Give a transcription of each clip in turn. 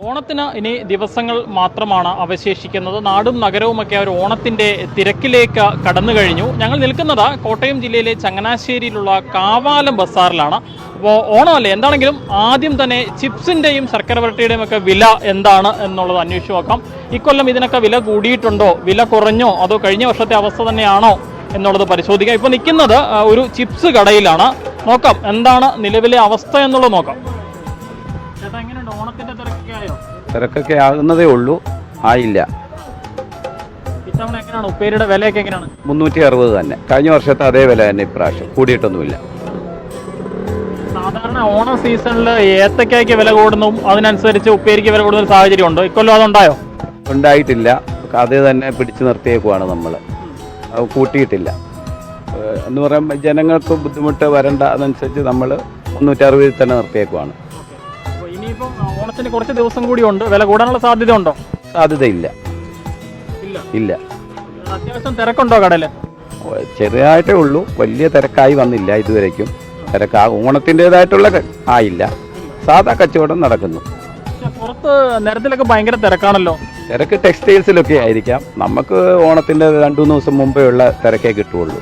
ഓണത്തിന് ഇനി ദിവസങ്ങൾ മാത്രമാണ് അവശേഷിക്കുന്നത്. നാടും നഗരവുമൊക്കെ ഒരു ഓണത്തിൻ്റെ തിരക്കിലേക്ക് കടന്നു കഴിഞ്ഞു. ഞങ്ങൾ നിൽക്കുന്നത് കോട്ടയം ജില്ലയിലെ ചങ്ങനാശ്ശേരിയിലുള്ള കാവാലം ബസാറിലാണ്. അപ്പോൾ ഓണമല്ലേ, എന്താണെങ്കിലും ആദ്യം തന്നെ ചിപ്സിൻ്റെയും ശർക്കര വരട്ടിയുടെയും ഒക്കെ വില എന്താണ് എന്നുള്ളത് അന്വേഷിച്ച് നോക്കാം. ഇക്കൊല്ലം ഇതിനൊക്കെ വില കൂടിയിട്ടുണ്ടോ, വില കുറഞ്ഞോ, അതോ കഴിഞ്ഞ വർഷത്തെ അവസ്ഥ തന്നെയാണോ എന്നുള്ളത് പരിശോധിക്കാം. ഇപ്പോൾ നിൽക്കുന്നത് ഒരു ചിപ്സ് കടയിലാണ്. നോക്കാം എന്താണ് നിലവിലെ അവസ്ഥ എന്നുള്ളത് നോക്കാം. ചേട്ടാ, എങ്ങനെയുണ്ട് ഓണത്തിന്റെ തിരക്കൊക്കെ ആയോ? തിരക്കൊക്കെ ആകുന്നതേ ഉള്ളൂ, ആയില്ല. ഇത്തവണ എങ്ങനെയാണ് ഉപ്പേരിയുടെ വിലയൊക്കെ എങ്ങനെയാണ്? 360 തന്നെ. കഴിഞ്ഞ വർഷത്തെ അതേ വില തന്നെ ഇപ്രാവശ്യം, കൂടിയിട്ടൊന്നുമില്ല. സാധാരണ ഓണ സീസണിൽ ഏത്തക്കായ്ക്ക് വില കൂടുന്നു, അതിനനുസരിച്ച് ഉപ്പേരിക്ക് വില കൂടുന്ന സാഹചര്യം ഉണ്ടോ? ഇക്കൊല്ലം അതുണ്ടായോ? ഉണ്ടായിട്ടില്ല. അത് തന്നെ പിടിച്ചു നിർത്തിയേക്കുവാണ് നമ്മൾ, അത് കൂട്ടിയിട്ടില്ല. എന്ന് പറയുമ്പോൾ ജനങ്ങൾക്ക് ബുദ്ധിമുട്ട് വരണ്ട, അതനുസരിച്ച് നമ്മൾ 360 തന്നെ നിർത്തിയേക്കുവാണ്. ഇനിയിപ്പം ഓണത്തിന് കുറച്ച് ദിവസം കൂടി ഉണ്ട്, വില കൂടാനുള്ള സാധ്യത ഉണ്ടോ? സാധ്യതയില്ല, ഇല്ല. അത്യാവശ്യം തിരക്കുണ്ടോ കടയിൽ? ചെറുതായിട്ടേ ഉള്ളൂ, വലിയ തിരക്കായി വന്നില്ല ഇതുവരേക്കും. ഓണത്തിൻ്റെതായിട്ടുള്ള ആയില്ല, സാധാ കച്ചവടം നടക്കുന്നു. പുറത്ത് നിരത്തിലൊക്കെ ഭയങ്കര തിരക്കാണല്ലോ. തിരക്ക് ടെക്സ്റ്റൈൽസിലൊക്കെ ആയിരിക്കാം. നമുക്ക് ഓണത്തിൻ്റെ 2-3 ദിവസം മുമ്പേ ഉള്ള തിരക്കേ കിട്ടുള്ളൂ.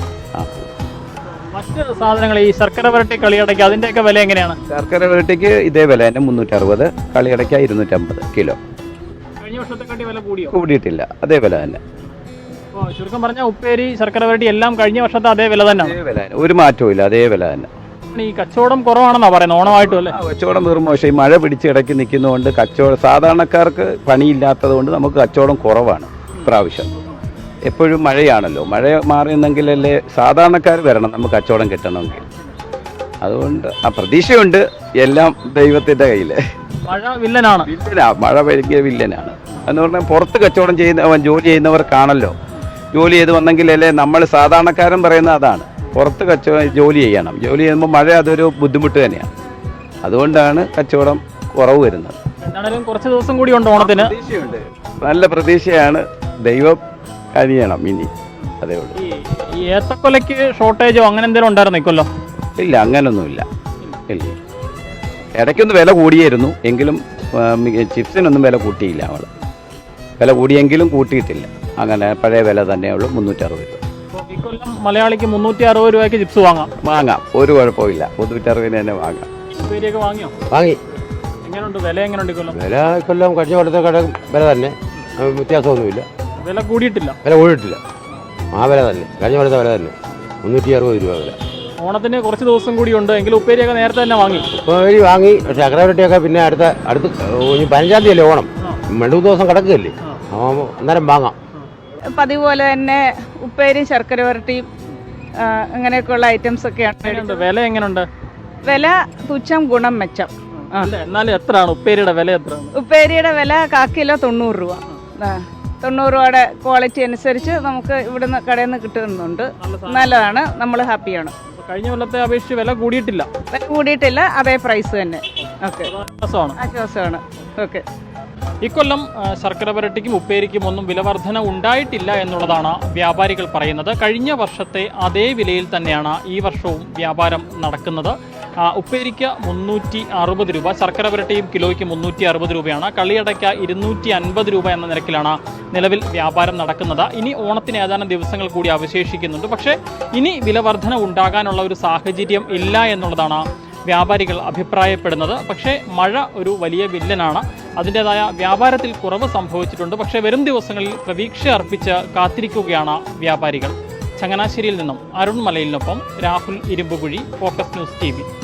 മറ്റ് സാധനങ്ങൾ ഈ ശർക്കര വരട്ടി, കളിയടയ്ക്ക്, അതിൻ്റെയൊക്കെ വില എങ്ങനെയാണ്? ശർക്കര വരട്ടിക്ക് ഇതേ വില തന്നെ 360, കളിയടയ്ക്ക 250 കിലോ. കഴിഞ്ഞ വർഷത്തെക്കാട്ടി വില കൂടിയോ? കൂടിയിട്ടില്ല, അതേ വില തന്നെ. ചുരുക്കം പറഞ്ഞാൽ ഉപ്പേരി, ശർക്കര വരട്ടി എല്ലാം കഴിഞ്ഞ വർഷത്തെ അതേ വില തന്നെ, ഒരു മാറ്റവും ഇല്ല, അതേ വില തന്നെ. ഈ കച്ചവടം കുറവാണെന്നാ പറയുന്നത് ഓണമായിട്ടും അല്ലേ? കച്ചവടം വെറും മോശം. ഈ മഴ പിടിച്ച് ഇടയ്ക്ക് നിൽക്കുന്നതുകൊണ്ട് കച്ചവടം, സാധാരണക്കാർക്ക് പണിയില്ലാത്തത് കൊണ്ട് നമുക്ക് കച്ചവടം കുറവാണ് ഇപ്രാവശ്യം. എപ്പോഴും മഴയാണല്ലോ, മഴ മാറിയെന്നെങ്കിലല്ലേ സാധാരണക്കാർ വരണം നമുക്ക് കച്ചവടം കിട്ടണമെങ്കിൽ. അതുകൊണ്ട് ആ പ്രതീക്ഷയുണ്ട്, എല്ലാം ദൈവത്തിൻ്റെ കയ്യിൽ. മഴ വില്ലനാണ്. മഴ ഭയങ്കര വില്ലനാണ് എന്ന് പറഞ്ഞാൽ പുറത്ത് കച്ചവടം ജോലി ചെയ്യുന്നവർക്കാണല്ലോ. ജോലി ചെയ്ത് വന്നെങ്കിലല്ലേ നമ്മൾ സാധാരണക്കാരൻ പറയുന്ന അതാണ്. പുറത്ത് ജോലി ചെയ്യണം, ജോലി ചെയ്യുമ്പോൾ മഴ അതൊരു ബുദ്ധിമുട്ട് തന്നെയാണ്. അതുകൊണ്ടാണ് കച്ചവടം കുറവ് വരുന്നത്. എന്താണെങ്കിലും കുറച്ച് ദിവസം കൂടി ഉണ്ട് ഓണത്തിന്. പ്രതീക്ഷയുണ്ട്, നല്ല പ്രതീക്ഷയാണ്. ദൈവം കഴിയണം ഇനി, അതേ ഉള്ളൂ. ഈ ഏത്തക്കൊലയ്ക്ക് ഷോർട്ടേജോ അങ്ങനെ എന്തെങ്കിലും ഉണ്ടായിരുന്നു ഇക്കൊല്ലോ? ഇല്ല, അങ്ങനൊന്നുമില്ല. ഇല്ല, ഇടയ്ക്കൊന്ന് വില കൂടിയായിരുന്നു, എങ്കിലും ചിപ്സിനൊന്നും വില കൂട്ടിയില്ല. അവൾ വില കൂടിയെങ്കിലും കൂട്ടിയിട്ടില്ല. അങ്ങനെ പഴയ വില തന്നെയുള്ളൂ, 360 രൂപ. ഇക്കൊല്ലം മലയാളിക്ക് 360 രൂപയ്ക്ക് ചിപ്സ് വാങ്ങാം, ഒരു കുഴപ്പമില്ല. 360 തന്നെ വാങ്ങാം. ഉപ്പേരിയൊക്കെ വാങ്ങിയോ? വാങ്ങി. എങ്ങനെയുണ്ട് വില? എങ്ങനെയുണ്ട് ഇക്കൊല്ലം? വില ഇക്കൊല്ലം കഴിഞ്ഞ കൊല്ലത്തെ വില തന്നെ, വ്യത്യാസമൊന്നുമില്ല. വില കൂടിയിട്ടില്ല? വില കൂടിയിട്ടില്ല, ആ വില തന്നെ, കഴിഞ്ഞ കൊല്ലത്തെ വില തന്നെ, 360 രൂപ വില. ഓണത്തിന് കുറച്ച് ദിവസം കൂടി ഉണ്ട്, എങ്കിലും ഉപ്പേരിയൊക്കെ നേരത്തെ തന്നെ വാങ്ങി. ഉപ്പേരി വാങ്ങി, ശർക്കര വരട്ടിയൊക്കെ പിന്നെ അടുത്ത 15-ാം തീയതി അല്ലേ ഓണം, 2 ദിവസം കിടക്കുകയല്ലേ, അന്നേരം വാങ്ങാം. പതിവ് പോലെ തന്നെ ഉപ്പേരിയും ശർക്കര വരട്ടിയും അങ്ങനെയൊക്കെയുള്ള ഐറ്റംസ് ഒക്കെയാണ്. വില എങ്ങനെയുണ്ട്? വില തുച്ഛം ഗുണം മെച്ചം. എന്നാലും എത്രയാണ് ഉപ്പേരിയുടെ വില? എത്രയാണ് ഉപ്പേരിയുടെ വില 1 കിലോ 90 രൂപ. 90 രൂപയുടെ ക്വാളിറ്റി അനുസരിച്ച് നമുക്ക് ഇവിടുന്ന് കടയിൽ നിന്ന് കിട്ടുന്നുണ്ട്. നല്ലതാണ്, നമ്മൾ ഹാപ്പിയാണ്. കഴിഞ്ഞ കൊല്ലത്തെ അപേക്ഷിച്ച് വില കൂടിയിട്ടില്ല? വില കൂടിയിട്ടില്ല, അതേ പ്രൈസ് തന്നെ. ഓക്കെ, ആശ്വാസമാണ്. ഓക്കെ. ഇക്കൊല്ലം ശർക്കര വരട്ടിക്കും ഉപ്പേരിക്കും ഒന്നും വിലവർധന ഉണ്ടായിട്ടില്ല എന്നുള്ളതാണ് വ്യാപാരികൾ പറയുന്നത്. കഴിഞ്ഞ വർഷത്തെ അതേ വിലയിൽ തന്നെയാണ് ഈ വർഷവും വ്യാപാരം നടക്കുന്നത്. ഉപ്പേരിക്ക് 360 രൂപ, ശർക്കര വരട്ടിയും കിലോയ്ക്ക് 360 രൂപയാണ്. കളിയടയ്ക്ക 250 രൂപ എന്ന നിരക്കിലാണ് നിലവിൽ വ്യാപാരം നടക്കുന്നത്. ഇനി ഓണത്തിന് ഏതാനും ദിവസങ്ങൾ കൂടി അവശേഷിക്കുന്നുണ്ട്. പക്ഷേ ഇനി വിലവർധന ഉണ്ടാകാനുള്ള ഒരു സാഹചര്യം ഇല്ല എന്നുള്ളതാണ് വ്യാപാരികൾ അഭിപ്രായപ്പെടുന്നത്. പക്ഷേ മഴ ഒരു വലിയ വില്ലനാണ്. അതിൻ്റെതായ വ്യാപാരത്തിൽ കുറവ് സംഭവിച്ചിട്ടുണ്ട്. പക്ഷേ വരും ദിവസങ്ങളിൽ പ്രതീക്ഷ അർപ്പിച്ച് കാത്തിരിക്കുകയാണ് വ്യാപാരികൾ. ചങ്ങനാശ്ശേരിയിൽ നിന്നും അരുൺ മലയിലിനൊപ്പം Rahul Irumpukuzhi, focus news TV.